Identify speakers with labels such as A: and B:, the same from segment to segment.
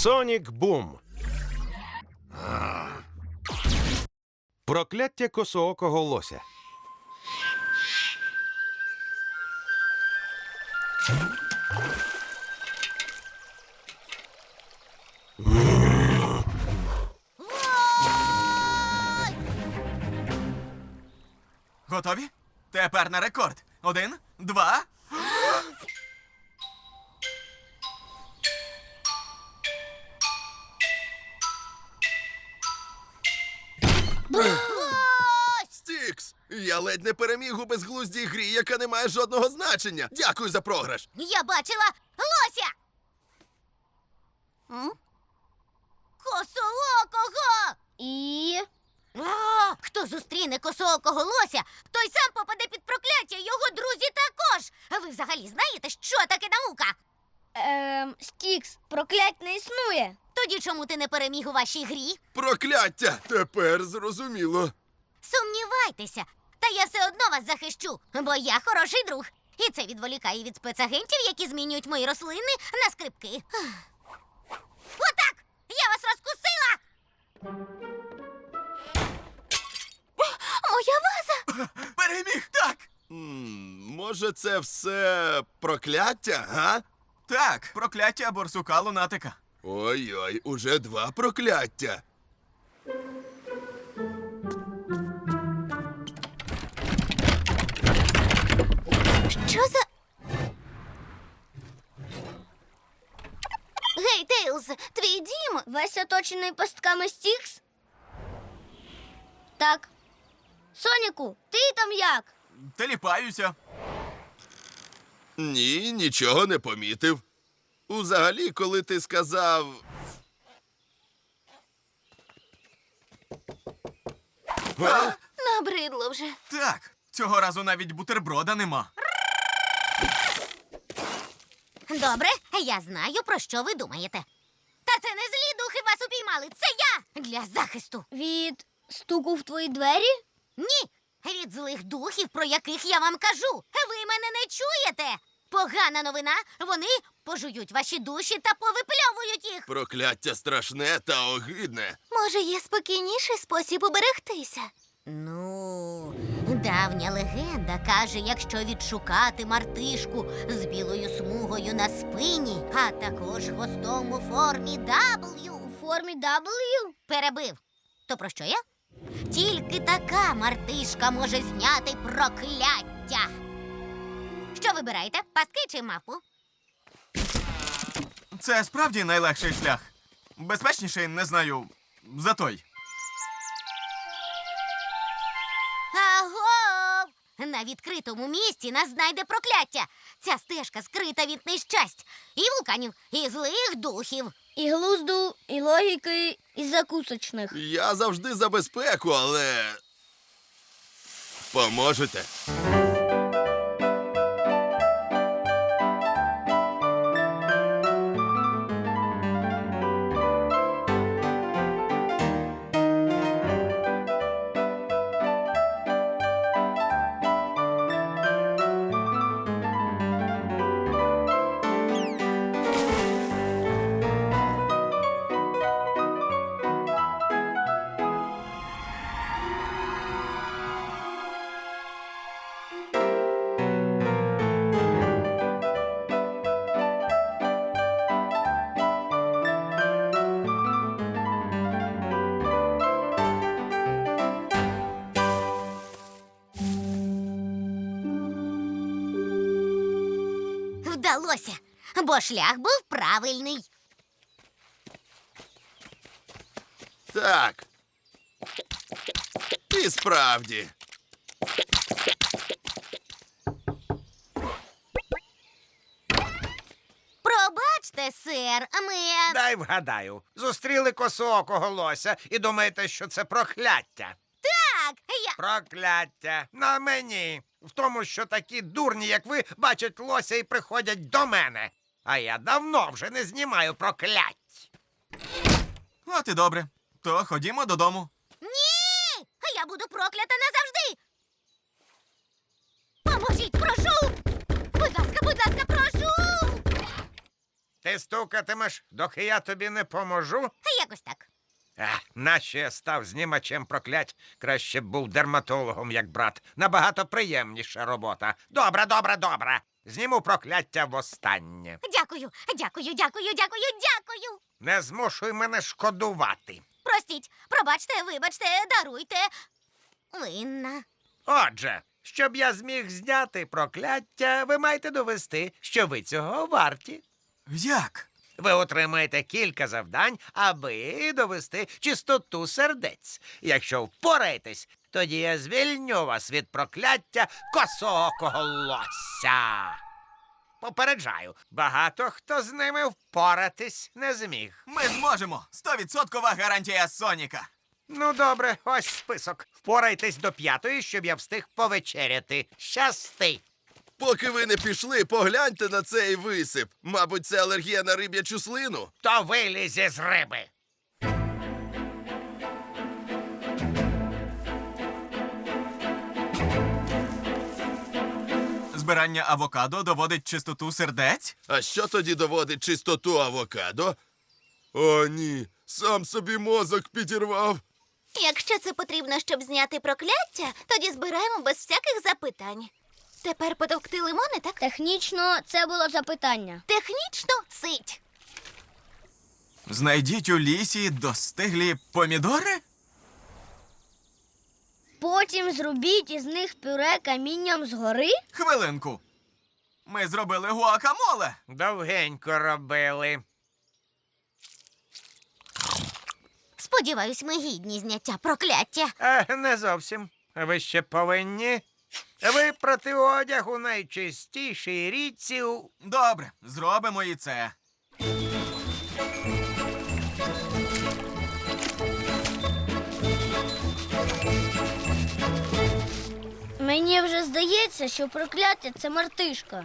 A: Сонік Бум. Прокляття косоокого лося.
B: Готові? Тепер на рекорд. 1, 2.
C: Стікс! Я ледь не переміг у безглуздій грі, яка не має жодного значення. Дякую за програш.
D: Я бачила лося! Косоокого!
E: І...
D: Хто зустріне косоокого лося, той сам попаде під прокляття, його друзі також. А ви взагалі знаєте, що таке наука?
E: Стікс, проклять не існує.
D: Тоді чому ти не переміг у вашій грі?
C: Прокляття! Тепер зрозуміло.
D: Сумнівайтеся, та я все одно вас захищу, бо я хороший друг. І це відволікає від спецагентів, які змінюють мої рослини на скрипки. Отак! Я вас розкусила! Моя ваза!
B: Переміг, так!
C: Може, це все прокляття, га?
B: Так, прокляття борсука лунатика.
C: Ой-ой, уже 2 прокляття.
D: Що за... Гей, Тейлз, твій дім?
E: Весь оточений пастками Стікс? Так. Соніку, ти там як?
B: Теліпаюся.
C: Ні, нічого не помітив. Взагалі, коли ти сказав... А?
D: Набридло вже.
B: Так, цього разу навіть бутерброда нема.
D: Добре, я знаю, про що ви думаєте. Та це не злі духи вас упіймали, це я! Для захисту.
E: Від стуку в твої двері?
D: Ні, від злих духів, про яких я вам кажу. Ви мене не чуєте. Погана новина, вони пожують ваші душі та повипльовують їх.
C: Прокляття страшне та огидне.
D: Може, є спокійніший спосіб уберегтися? Ну, давня легенда каже, якщо відшукати мартишку з білою смугою на спині, а також хвостом у формі W.
E: У формі W?
D: Перебив. То про що я? Тільки така мартишка може зняти прокляття. Що вибираєте? Пастки чи мавпу?
B: Це справді найлегший шлях. Безпечніший, не знаю, за той.
D: Агов! На відкритому місці нас знайде прокляття. Ця стежка скрита від нещасть. І вулканів, і злих духів.
E: І глузду, і логіки, і закусочних.
C: Я завжди за безпеку, але... Поможете?
D: Вдалося, бо шлях був правильний.
C: Так. І справді.
D: Пробачте, сер, ми...
F: Дай вгадаю. Зустріли косоокого лося і думаєте, що це прокляття.
D: Так, я...
F: Прокляття на мені. В тому, що такі дурні, як ви, бачать лося і приходять до мене. А я давно вже не знімаю проклять.
B: От і добре. То ходімо додому.
D: Ні! Я буду проклята назавжди! Поможіть, прошу! Будь ласка, прошу!
F: Ти стукатимеш, доки я тобі не поможу?
D: Якось так.
F: Нащо я став знімачем проклять? Краще б був дерматологом, як брат. Набагато приємніша робота. Добре, добре, добре. Зніму прокляття востаннє.
D: Дякую, дякую, дякую, дякую, дякую.
F: Не змушуй мене шкодувати.
D: Простіть, пробачте, вибачте, даруйте. Винна.
F: Отже, щоб я зміг зняти прокляття, ви маєте довести, що ви цього варті.
B: Як?
F: Ви отримаєте кілька завдань, аби довести чистоту сердець. Якщо впораєтесь, тоді я звільню вас від прокляття косоокого лося. Попереджаю, багато хто з ними впоратись не зміг.
B: Ми зможемо! 100% гарантія Соніка!
F: Ну, добре, ось список. Впорайтесь до 5-ї, щоб я встиг повечеряти. Щасти!
C: Поки ви не пішли, погляньте на цей висип. Мабуть, це алергія на риб'ячу слину.
F: То вилізе з риби.
B: Збирання авокадо доводить чистоту сердець?
C: А що тоді доводить чистоту авокадо? О, ні, сам собі мозок підірвав.
D: Якщо це потрібно, щоб зняти прокляття, тоді збираємо без всяких запитань. Тепер потовкти лимони, так?
E: Технічно це було запитання.
D: Технічно цить.
B: Знайдіть у лісі достиглі помідори?
E: Потім зробіть із них пюре камінням згори.
B: Хвилинку. Ми зробили гуакамоле.
F: Довгенько робили.
D: Сподіваюсь, ми гідні зняття прокляття.
F: Не зовсім. Ви ще повинні випрати одяг у найчистішій річці у...
B: Добре, зробимо і це.
E: Мені вже здається, що прокляття це мартишка.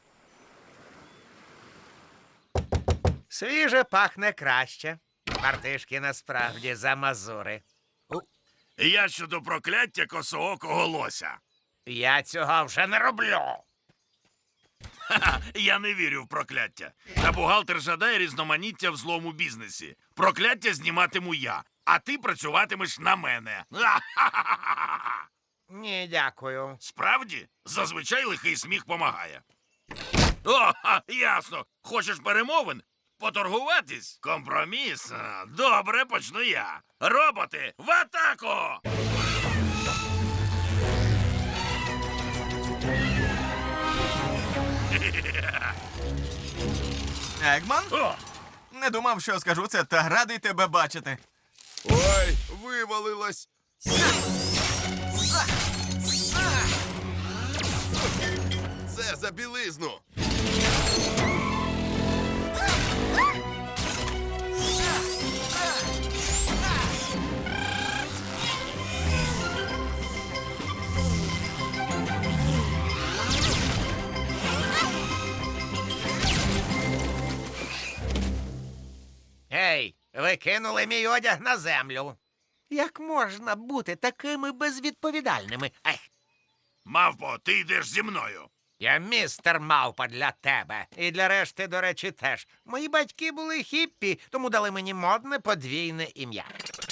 F: Свіже пахне краще. Мартишки насправді замазури.
G: Я щодо прокляття косоокого лося.
F: Я цього вже не роблю.
G: Ха-ха, я не вірю в прокляття. Та бухгалтер жадає різноманіття в злому бізнесі. Прокляття зніматиму я, а ти працюватимеш на мене. Ха-ха-ха-ха-ха.
F: Ні, дякую.
G: Справді, зазвичай лихий сміх помагає. О, ясно. Хочеш перемовин? Поторгуватись? Компроміс? Добре, почну я. Роботи, в атаку!
B: Егман?
G: О,
B: Не думав, що скажу це, та радий тебе бачити.
C: Ой, вивалилось. Це за білизну.
F: Гей, ви кинули мій одяг на землю. Як можна бути такими безвідповідальними? Ех,
G: мавпо, ти йдеш зі мною.
F: я містер Мавпа для тебе. І для решти, до речі, теж. Мої батьки були хіппі, тому дали мені модне подвійне ім'я.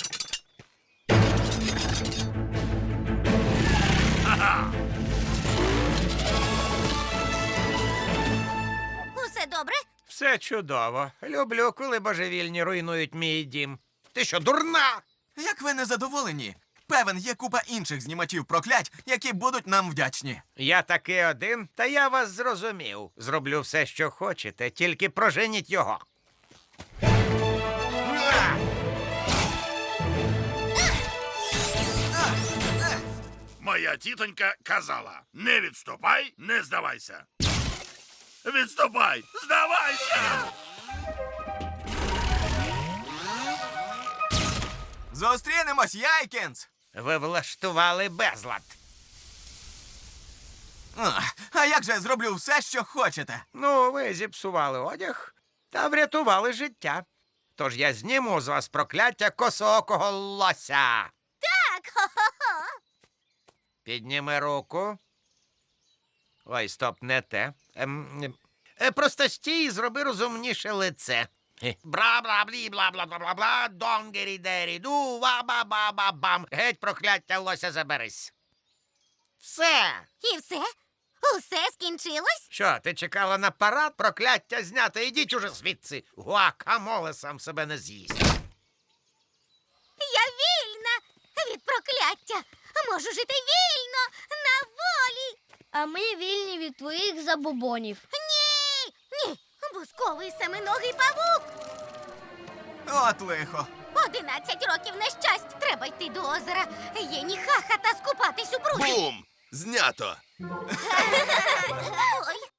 D: Усе добре?
F: Все чудово. Люблю, коли божевільні руйнують мій дім. Ти що, дурна?
B: Як ви не задоволені? Певен, є купа інших знімачів проклять, які будуть нам вдячні.
F: Я таки один, та я вас зрозумів. Зроблю все, що хочете, тільки проженіть його.
G: Моя тітонька казала: не відступай, не здавайся. Відступай, здавайся!
B: Зустрінемось, Яйкінс!
F: Ви влаштували безлад.
B: А як же я зроблю все, що хочете?
F: Ну, ви зіпсували одяг та врятували життя. Тож я зніму з вас прокляття косоокого лося.
D: Так, хо-хо-хо.
F: Підніми руку. Ой, стоп, не те. Просто стій і зроби розумніше лице. Бра-бра-блі-бла-бла-бла-бла, донгері-дері-ду, ва-ба-ба-ба-бам. Геть, прокляття лося, заберись. Все.
D: І все? Усе скінчилось?
F: Що, ти чекала на парад? Прокляття знято. Ідіть уже звідси. Гуакамоле сам себе не з'їсть.
D: Я вільна від прокляття. Можу жити вільно, на волі.
E: А ми вільні від твоїх забобонів.
D: Ні, ні, бусковий семиногий павук.
B: От лихо.
D: 11 років нещасть. Треба йти до озера. Є ніхаха та скупатись у бруді.
C: Бум! Знято!
D: Ой.